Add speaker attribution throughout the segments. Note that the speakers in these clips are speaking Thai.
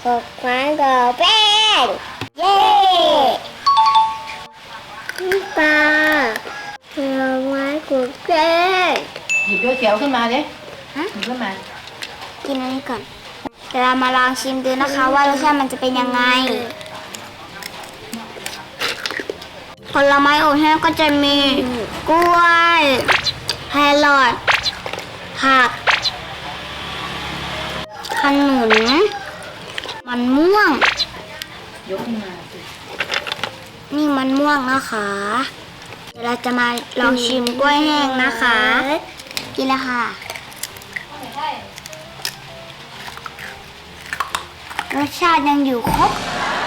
Speaker 1: กดไม้กดแป้งเย้ปลาผลไม้กดแป้ง
Speaker 2: หยิบเขียวๆขึ้นมาดิหยิบขึ้นมา
Speaker 3: กินอันนี้ก่อนเดี๋ยวเรามาลองชิมดูนะคะว่ารสชาติมันจะเป็นยังไงผลไม้อบแห้งก็จะมีกล้วยแครอทผักขนุนมันม่วง
Speaker 2: ยกขึ้นมาสิ
Speaker 3: นี่มันม่วงนะคะเดี๋ยวเราจะมาลองชิมกล้วยแห้งนะคะกินแล้วค่ะรสชาติยังอยู่ครบ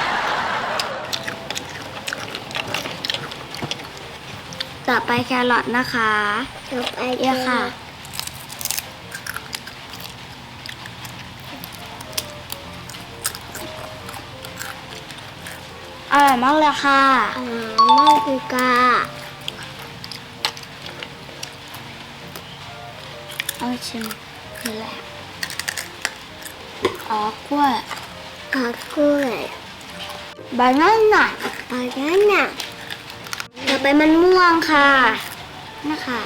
Speaker 3: ต่อไปแครอทนะคะ
Speaker 1: ต่อไป
Speaker 3: เยอะค่ะอร่อยมากเลยค่ะ
Speaker 1: มากคือกา
Speaker 3: เอาชิมคืออะไรอ๋อกล้วย
Speaker 1: กล้วย
Speaker 3: บานาน่าต่อไปมันม่วงค่ะนะคะ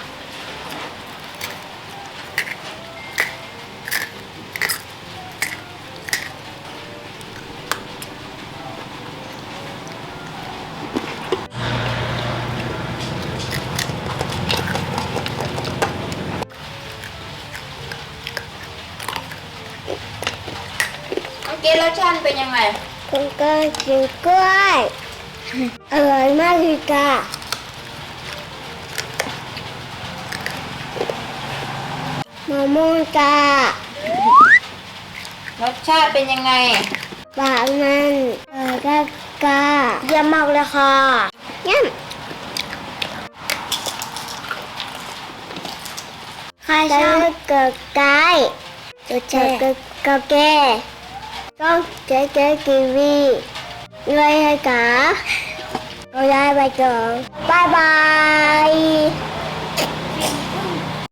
Speaker 3: เกรสชาติเป็นยังไง
Speaker 1: คุณก็กินกล้วยอร่อยมากคือกามะม่วงการ
Speaker 2: สชาติเป็นยังไง
Speaker 1: ปากมันกา
Speaker 3: เยี่ยมมากเลยค่ะ
Speaker 1: เยี่ยม
Speaker 3: ใครชอบ
Speaker 1: เกิดไก่เกิดกาแก่ต้องเจ๊กีวีเลยให้กาเราได้ไปก่อนบายบาย